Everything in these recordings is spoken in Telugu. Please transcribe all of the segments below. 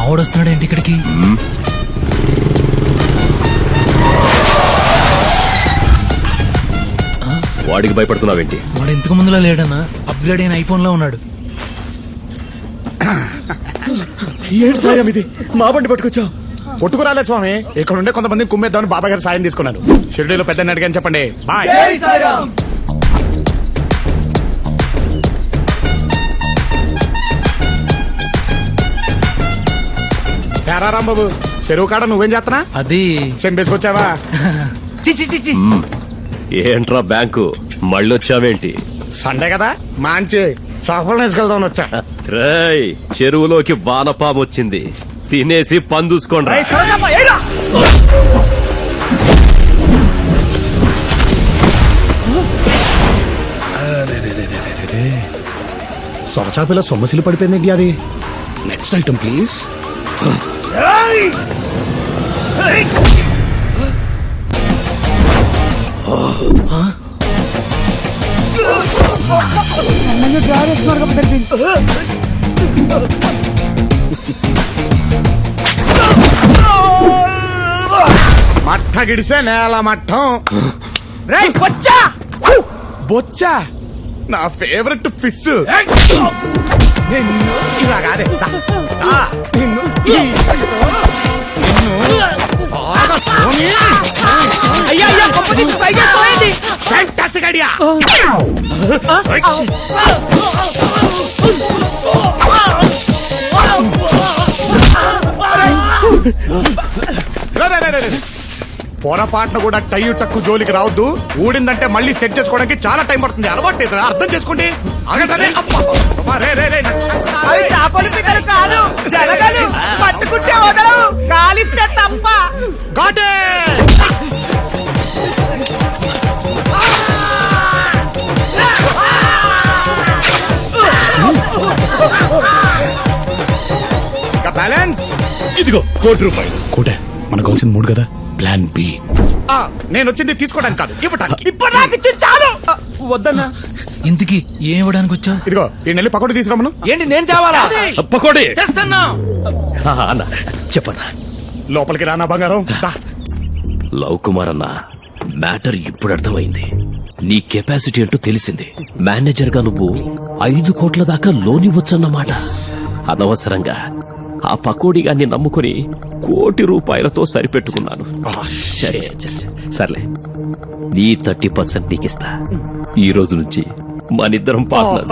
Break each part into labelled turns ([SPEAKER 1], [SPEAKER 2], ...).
[SPEAKER 1] మావాడు వస్తున్నాడు ఏంటి ఇక్కడికి?
[SPEAKER 2] వాడికి భయపడుతున్నావేంటి?
[SPEAKER 1] వాడు ఇంతకు ముందులా లేడన్నా, అప్గ్రేడ్ అయిన ఐఫోన్ లో ఉన్నాడు.
[SPEAKER 3] ఏంటి సాయం ఇది? మా బండి పట్టుకొచ్చావు? కొట్టుకురాలే స్వామి, ఇక్కడ ఉండే కొంతమంది కుమ్మేద్దామని బాబాయ్ గారు సాయం తీసుకున్నాను. షిరిడీలో పెద్ద అడిగాని చెప్పండి. బాయ్. రాంబాబు, చెరువు కాడ నువ్వేం చేస్తున్నా?
[SPEAKER 1] అది
[SPEAKER 3] చెంపేసుకొచ్చావా?
[SPEAKER 2] ఏంట్రా బ్యాంకు మళ్ళొచ్చావేంటి?
[SPEAKER 3] సండే కదా, మంచి సఫలం వేసుకెళ్దామని వచ్చా.
[SPEAKER 2] రేయ్, చెరువులోకి వానపాము వచ్చింది, తినేసి పందూసుకోండి.
[SPEAKER 3] సొరచాపిల సొమ్మసిలు పడిపోయింది. అది నెక్స్ట్ ఐటమ్ ప్లీజ్. మట్ట గిడిసే నేల మట్టం. బొచ్చా నా ఫేవరెట్ ఫిష్. ఇలా కాదే, ఫ్యాంటాస్టిక్ ఐడియా. పొరపాటున కూడా టై టక్కు జోలికి రావద్దు. ఊడిందంటే మళ్ళీ సెట్ చేసుకోవడానికి చాలా టైం పడుతుంది. అలవాటు లేదు, అర్థం చేసుకోండి.
[SPEAKER 4] పట్టుకుంటే వదలవు, కాలిస్తే తప్ప.
[SPEAKER 3] బ్యాలెన్స్
[SPEAKER 2] ఇదిగో ₹1,00,00,000.
[SPEAKER 3] కోటే మనకు కావాల్సిన 3 కదా. Plan B. నేను వచ్చింది తీసుకోవడానికి కాదు, ఇవ్వడానికి.
[SPEAKER 4] ఇప్పుడు నాకు ఇచ్చి చాలు. వద్దన్నా.
[SPEAKER 1] ఇంతకి ఏం ఇవ్వడానికి వచ్చా?
[SPEAKER 3] ఇదిగో ఈ నెల్లి పకోడీ తీసుకురామను.
[SPEAKER 4] ఏంటి నేను తేవాలా?
[SPEAKER 2] పకోడీ
[SPEAKER 4] తెస్తున్నా.
[SPEAKER 2] అన్న చెప్పన్నా.
[SPEAKER 3] లోపలికి రానా బంగారం.
[SPEAKER 2] లవ్ కుమార్ అన్న, మ్యాటర్ ఇప్పుడు అర్థమైంది. నీ కెపాసిటీ అంటూ తెలిసింది. మేనేజర్ గా నువ్వు 5 కోట్ల దాకా లోన్ ఇవ్వచ్చన్నమాట. అనవసరంగా ఆ పకోడీగాన్ని నమ్ముకుని ₹1,00,00,000 సరిపెట్టుకున్నాను. సర్లే, నీ 30% నీకిస్తా. ఈ రోజు నుంచి మనిద్దరం పార్ట్నర్స్.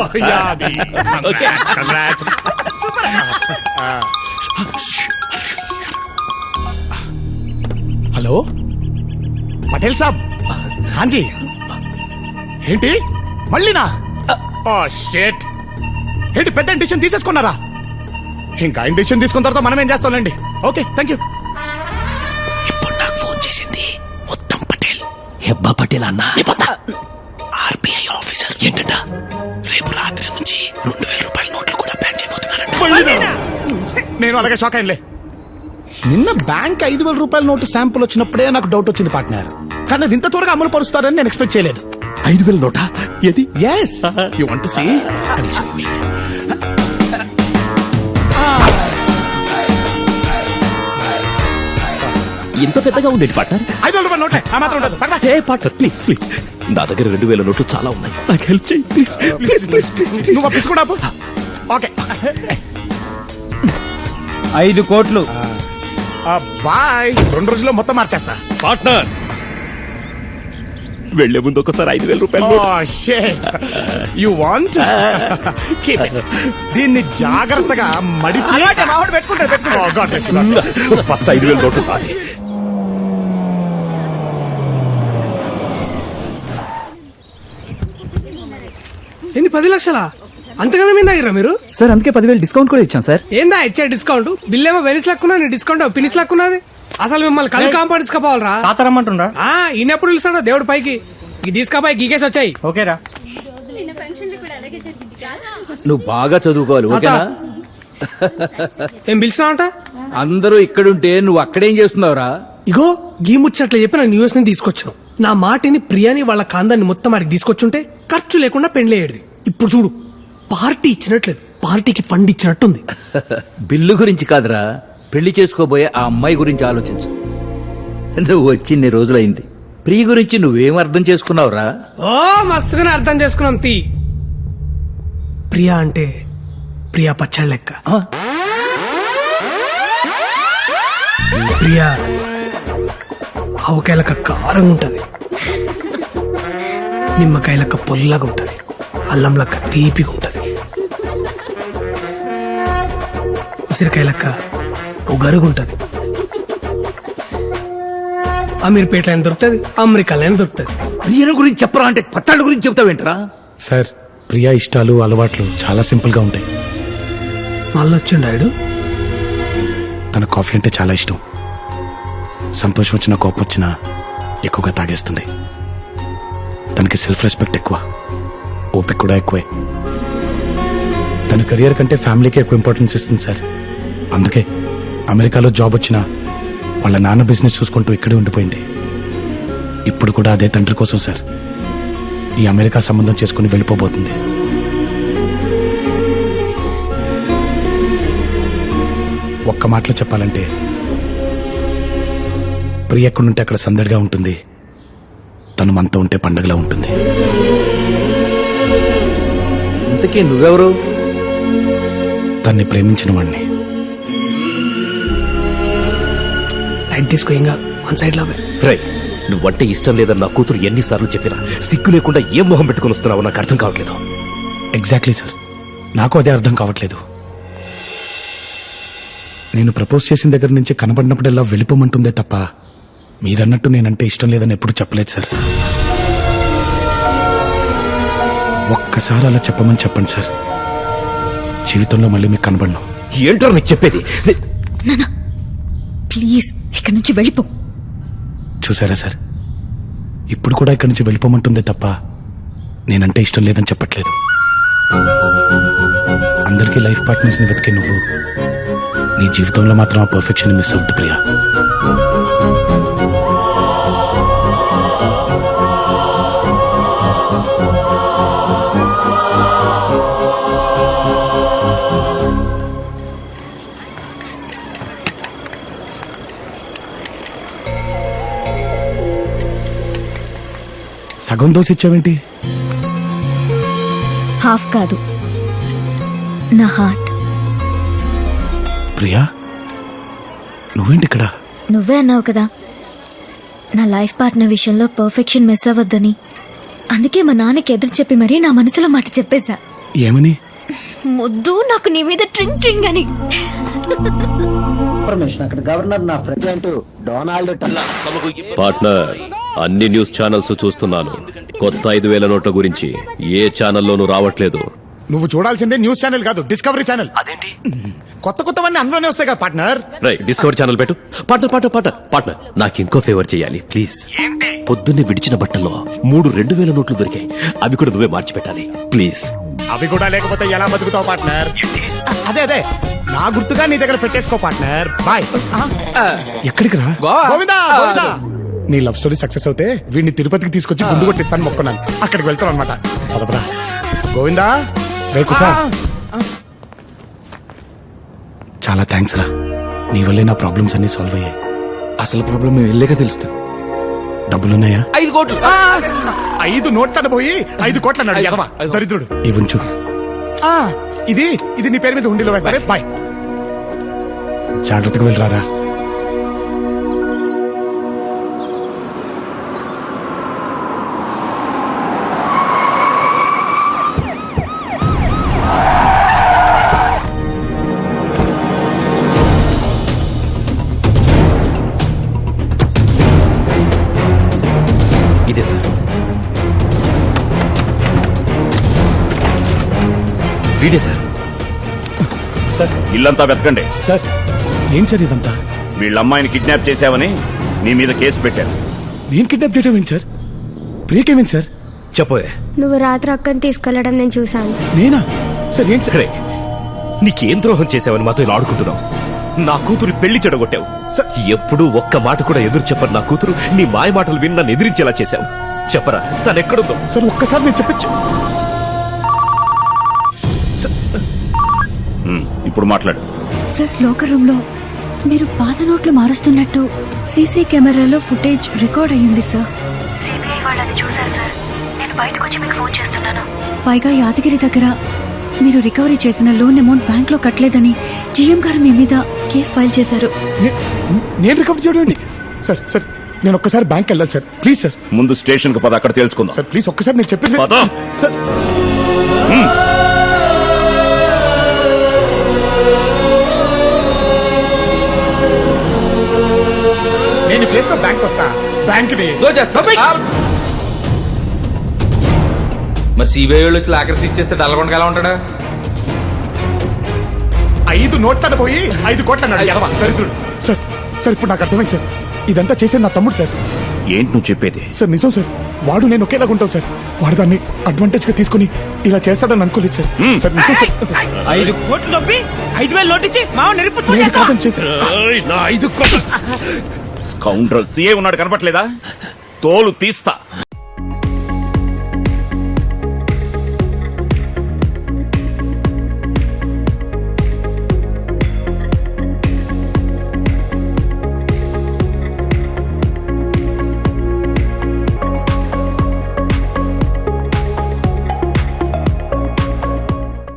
[SPEAKER 3] హలో పటేల్ సాబ్. హాంజీ. ఏంటి మళ్ళీనా? షేట్. ఏంటి పెద్ద డిసిషన్ తీసేసుకున్నారా? ఇంకా డిసిషన్ తీసుకున్న తర్వాత మనం ఏం చేస్తాంలేండి. Okay, thank you.
[SPEAKER 2] ఇప్పుడు నాకు ఫోన్ చేసింది ఉత్తమ్ పటేల్. హెబ్బా పటేల్ అన్న, ఆర్బీఐ ఆఫీసర్. ఏంటంట, రేపు రాత్రి నుంచి ₹2,000 నోట్లు కూడా బ్యాన్ చేయబోతున్నారంట.
[SPEAKER 3] నేను అలాగే షాక్ అయ్యలే. నిన్న బ్యాంక్ ₹5,000 నోటు శాంపుల్ వచ్చినప్పుడే నాకు డౌట్ వచ్చింది పార్ట్నర్. కానీ అది ఇంత త్వరగా అమలు పరుస్తారని నేను ఎక్స్పెక్ట్ చేయలేదు.
[SPEAKER 2] 5,000 నోటా? ఏది?
[SPEAKER 3] Yes. You want to see?
[SPEAKER 2] ఇంత పెద్దగా ఉంది పార్ట్నర్.
[SPEAKER 3] ₹5,000 నోటే ఆ మాత్రం ఉండదు.
[SPEAKER 2] హే పార్ట్నర్, ప్లీజ్ ప్లీజ్, నా దగ్గర 2,000 నోట్లు చాలా ఉన్నాయి. నాకు హెల్ప్ చేయి ప్లీజ్ ప్లీజ్ ప్లీజ్ ప్లీజ్.
[SPEAKER 3] నువ్వు పిసుకుడా? ఓకే,
[SPEAKER 4] 5 కోట్లు.
[SPEAKER 3] బాయ్. 2 రోజుల్లో మొత్తం మార్చేస్తా.
[SPEAKER 2] పార్ట్నర్, వెళ్లే ముందు ఒకసారి ₹5,000.
[SPEAKER 3] You want? దీన్ని జాగ్రత్తగా మడిచి పెట్టుకుంటారు.
[SPEAKER 2] ఫస్ట్ 5,000 నోట్లు.
[SPEAKER 4] ఏంది 10 లక్షలా? అంతగానే మీద దగ్గర మీరు?
[SPEAKER 5] సార్ అందుకే 10,000 డిస్కౌంట్ కూడా ఇచ్చాం సార్.
[SPEAKER 4] ఏందా ఇచ్చే డిస్కౌంట్? బిల్ ఏమో వెనిస్ లక్కున్నా, నీ డిస్కౌంట్ పినిస్ లక్కున్నది. అసలు మిమ్మల్ని కళ్ళు కాంపౌండ్ తీసుకోవాలరా?
[SPEAKER 5] తాతరమ్మంటుండ్రా?
[SPEAKER 4] ఈయనెప్పుడు పిలుస్తాడో దేవుడు పైకి. తీసుకపోయి గీకేసి వచ్చాయి.
[SPEAKER 5] ఓకేరా, నువ్వు బాగా చదువుకోవాలి. ఓకేనా?
[SPEAKER 4] ఏం పిలిచినావంట?
[SPEAKER 5] అందరూ ఇక్కడుంటే నువ్వు అక్కడేం చేస్తున్నావురా?
[SPEAKER 4] ఇగో గీ ముచ్చట్లు చెప్పి నా న్యూస్ ని తీసుకొచ్చాను. నా మాటిని ప్రియాని వాళ్ళ కాందాన్ని మొత్తం ఆడికి తీసుకొచ్చుంటే ఖర్చు లేకుండా పెండ్లేయడిది. ఇప్పుడు చూడు, పార్టీ ఇచ్చినట్లేదు, పార్టీకి ఫండ్ ఇచ్చినట్టుంది.
[SPEAKER 5] బిల్లు గురించి కాదురా, పెళ్లి చేసుకోబోయే ఆ అమ్మాయి గురించి ఆలోచించు. నువ్వు వచ్చి ఇన్ని రోజులైంది. ప్రియ గురించి నువ్వేం అర్థం చేసుకున్నావురా?
[SPEAKER 4] ఓ మస్తుగానే అర్థం చేసుకున్నాం తీ. ప్రియా అంటే ప్రియా పచ్చళ్ళ లెక్క.
[SPEAKER 5] ఆ?
[SPEAKER 4] ప్రియా ఆవకాయలక కారంగా ఉంటది, నిమ్మకాయలక పొల్లగా ఉంటది, అల్లం లెక్క తీపిగా ఉంటది, ఉసిరికాయలక్క ఉగరుగుంటది. అమీర్పేటలో అయినా దొరుకుతుంది, అమెరికాలో అయినా దొరుకుతుంది.
[SPEAKER 5] ప్రియను గురించి చెప్పరా అంటే పత్తాళ్ళ గురించి చెప్తావేంటరా?
[SPEAKER 3] సార్ ప్రియా ఇష్టాలు అలవాట్లు చాలా సింపుల్ గా ఉంటాయి.
[SPEAKER 4] మళ్ళీ వచ్చిండు ఆయన.
[SPEAKER 3] తన కాఫీ అంటే చాలా ఇష్టం. సంతోషం వచ్చినా కోపం వచ్చినా ఎక్కువగా తాగేస్తుంది. తనకి సెల్ఫ్ రెస్పెక్ట్ ఎక్కువ, ఓపిక కూడా ఎక్కువే. తన కెరియర్ కంటే ఫ్యామిలీకి ఎక్కువ ఇంపార్టెన్స్ ఇస్తుంది సార్. అందుకే అమెరికాలో జాబ్ వచ్చినా వాళ్ళ నాన్న బిజినెస్ చూసుకుంటూ ఇక్కడే ఉండిపోయింది. ఇప్పుడు కూడా అదే తండ్రి కోసం సార్ ఈ అమెరికా సంబంధం చేసుకుని వెళ్ళిపోబోతుంది. ఒక్క మాటలో చెప్పాలంటే ప్రియ ఎక్కడుంటే అక్కడ సందడిగా ఉంటుంది, తను మనతో ఉంటే పండగలా ఉంటుంది.
[SPEAKER 5] ఇంతకీ నువ్వెవరు?
[SPEAKER 3] తన్ని ప్రేమించిన వాణ్ణి.
[SPEAKER 4] లైట్ తీసుకో, ఇంకా వన్ సైడ్ లాగా.
[SPEAKER 2] రై, నువ్వంటే ఇష్టం లేదని నా కూతురు ఎన్నిసార్లు చెప్పినా సిగ్గు లేకుండా ఏం మొహం పెట్టుకుని వస్తున్నావో నాకు అర్థం కావట్లేదు.
[SPEAKER 3] ఎగ్జాక్ట్లీ సార్, నాకు అదే అర్థం కావట్లేదు. నేను ప్రపోజ్ చేసిన దగ్గర నుంచి కనబడినప్పుడల్లా వెళ్ళిపోమంటుందే తప్ప మీరన్నట్టు నేనంటే ఇష్టం లేదని ఎప్పుడు చెప్పలేదు సార్. ఒక్కసారి అలా చెప్పమని చెప్పండి సార్, జీవితంలో మళ్ళీ మీకు కనబడను.
[SPEAKER 2] ఏంటో నీకు చెప్పేది?
[SPEAKER 6] ప్లీజ్ ఇక్కడి నుంచి వెళ్ళిపో.
[SPEAKER 3] చూసారా సార్, ఇప్పుడు కూడా ఇక్కడి నుంచి వెళ్ళిపోమంటుందే తప్ప నేనంటే ఇష్టం లేదని చెప్పట్లేదు. అందరికీ లైఫ్ పార్ట్నర్స్ ని వెతికే నువ్వు నీ జీవితంలో మాత్రం ఆ పర్ఫెక్షన్ మిస్ అవుతుంది ప్రియా. సగం దోశ ఇచ్చావేంటి?
[SPEAKER 6] హాఫ్ కాదు, నా హార్ట్.
[SPEAKER 3] ప్రియా, నువ్వేంటి ఇక్కడ?
[SPEAKER 6] నువ్వే అన్నావు కదా నా లైఫ్ పార్ట్నర్ విషయంలో పర్ఫెక్షన్ మిస్ అవ్వద్దని. అందుకే మా నాన్నకి ఎదురు చెప్పి మరీ నా మనసులో మాట చెప్పేశా.
[SPEAKER 3] ఏమని?
[SPEAKER 6] ముద్దు నాకు నీ మీద ట్రింగ్ ట్రింగ్ అని.
[SPEAKER 7] పార్ట్నర్, అన్ని న్యూస్ ఛానల్స్ చూస్తున్నాను. కొత్త 5,000 నోట్ల గురించి ఏ ఛానల్లోనూ రావట్లేదు.
[SPEAKER 3] నువ్వు చూడాల్సిందే న్యూస్ ఛానల్ కాదు, డిస్కవరీ ఛానల్. అదేంటి కొత్త కొత్తవన్నీ అందులోనే వస్తాయి కదా పార్ట్నర్.
[SPEAKER 7] రైట్, డిస్కవరీ ఛానల్ పెట్టు. పార్ట్నర్, నాకు ఇంకో ఫేవర్ చేయాలి ప్లీజ్. పొద్దున్నే విడిచిన బట్టల్లో 3 2,000 నోట్లు దొరికాయి. అవి కూడా నువ్వే మార్చి పెట్టాలి ప్లీజ్.
[SPEAKER 3] అవి కూడా లేకపోతే ఎలా బతుకుతావు పార్ట్నర్? అదే నా గుర్తుగా నీ దగ్గర పెట్టేసుకో పార్ట్నర్. బాయ్. ఎక్కడికి రా? గోవిందా, గోవిందా. నీ లవ్ స్టోరీ సక్సెస్ అవుతే వీడిని తిరుపతికి తీసుకొచ్చి గుండు కొట్టిస్తాను మొక్కున్నాను. అక్కడికి వెళ్తాను అనమాట. పదపరా గోవిందా. చాలా థ్యాంక్స్ రా, నీ వల్లే నా ప్రాబ్లమ్స్ అన్ని సాల్వ్ అయ్యాయి.
[SPEAKER 2] అసలు ప్రాబ్లం వెళ్ళాక తెలుస్తుంది.
[SPEAKER 3] డబ్బులున్నాయా?
[SPEAKER 2] 5 కోట్లు.
[SPEAKER 3] 5 నోట్లను పోయి 5 కోట్ల అన్నాడు ఎదవా దరిద్రుడు. ఇవ్వంచు. ఇది నీ పేరు మీద హుండీలో వేస్తారే. బాయ్, జాగ్రత్తగా వెళ్ళరారా.
[SPEAKER 2] ఇదే సార్. వీడే సార్.
[SPEAKER 8] ఇల్లంతా వెతకండి.
[SPEAKER 3] సార్ ఏం సార్ ఇదంతా?
[SPEAKER 8] వీళ్ళ అమ్మాయిని కిడ్నాప్ చేశావని నీ మీద కేసు పెట్టారు.
[SPEAKER 3] నేను కిడ్నాప్ చేయడం ఏంటి సార్? ప్రియకేమేంటి సార్?
[SPEAKER 2] చెప్పోయే.
[SPEAKER 9] నువ్వు రాత్రి అక్కని తీసుకెళ్లడం నేను చూశాను.
[SPEAKER 3] నేనా సార్? ఏంటి సార్?
[SPEAKER 2] రే, నీకేం ద్రోహం చేశావని మాతో ఇలా ఆడుకుంటున్నావు? నా కూతురు పెళ్లి చెడగొట్టావు. ఎప్పుడూ ఒక్క మాట కూడా ఎదురు చెప్పరు నా కూతురు. నీ మాయ మాటలు విని నన్ను ఎదిరించేలా చేశావు. చెప్పరా, తనెక్కడుందో?
[SPEAKER 3] సార్ ఒక్కసారి నేను చెప్పచ్చు.
[SPEAKER 8] ఇప్పుడు మాట్లాడు.
[SPEAKER 6] సార్ లోకర్ రూమ్ లో మీరు పాత నోట్లు మారుస్తున్నట్టు సీసీ కెమెరాలో ఫుటేజ్ రికార్డ్ అయ్యింది సార్. సిబిఐ వాళ్ళు అది చూశారు సార్. నేను బయటకు వచ్చి మీకు ఫోన్ చేస్తున్నాను. పైగా యాదగిరి దగ్గర మీరు రికవరీ చేసిన లోన్ అమౌంట్ బ్యాంక్ లో కట్టలేదని జీఎం గారు మీ మీద కేసు ఫైల్ చేశారు.
[SPEAKER 3] నేను రికవర్ చేయడం సార్ సార్ నేను ఒక్కసారి బ్యాంక్ వెళ్ళాలి సార్ ప్లీజ్ సార్.
[SPEAKER 8] ముందు స్టేషన్ కు పద, అక్కడ తెలుసుకుందాం.
[SPEAKER 3] సార్ ప్లీజ్ ఒక్కసారి నేను చెప్పేది
[SPEAKER 8] పద.
[SPEAKER 3] సార్. నేను ఈ ప్లేస్ లో బ్యాంక్ వస్తా. బ్యాంక్
[SPEAKER 10] మరి సిబిఐ వాళ్ళు వచ్చి లాకర్స్ ఇచ్చేస్తే డల్లగొండగా ఎలా ఉంటాడా?
[SPEAKER 3] 5 నోట్లను పోయి 5 కోట్ల అన్నాడు ఎడవ దరిద్రుడు. సార్ సార్ ఇప్పుడు నాకు అర్థమైంది సార్. ఇదంతా చేసేది నా తమ్ముడు సార్.
[SPEAKER 8] ఏంటి నువ్వు చెప్పేది?
[SPEAKER 3] సార్ నిజం సార్. వాడు నేను ఒకేలాగా ఉంటాం సార్. వాడు దాన్ని అడ్వాంటేజ్ గా తీసుకుని ఇలా చేస్తాడని అనుకోలేదు సార్. సార్ నిజం సార్.
[SPEAKER 2] 5 కోట్లు నొప్పి 5,000 నోటిచ్చి మావ
[SPEAKER 3] నేను కాదని చేశాను.
[SPEAKER 8] స్కౌండ్రల్ సీఏ ఉన్నాడు, కనపట్లేదా? తోలు తీస్తా.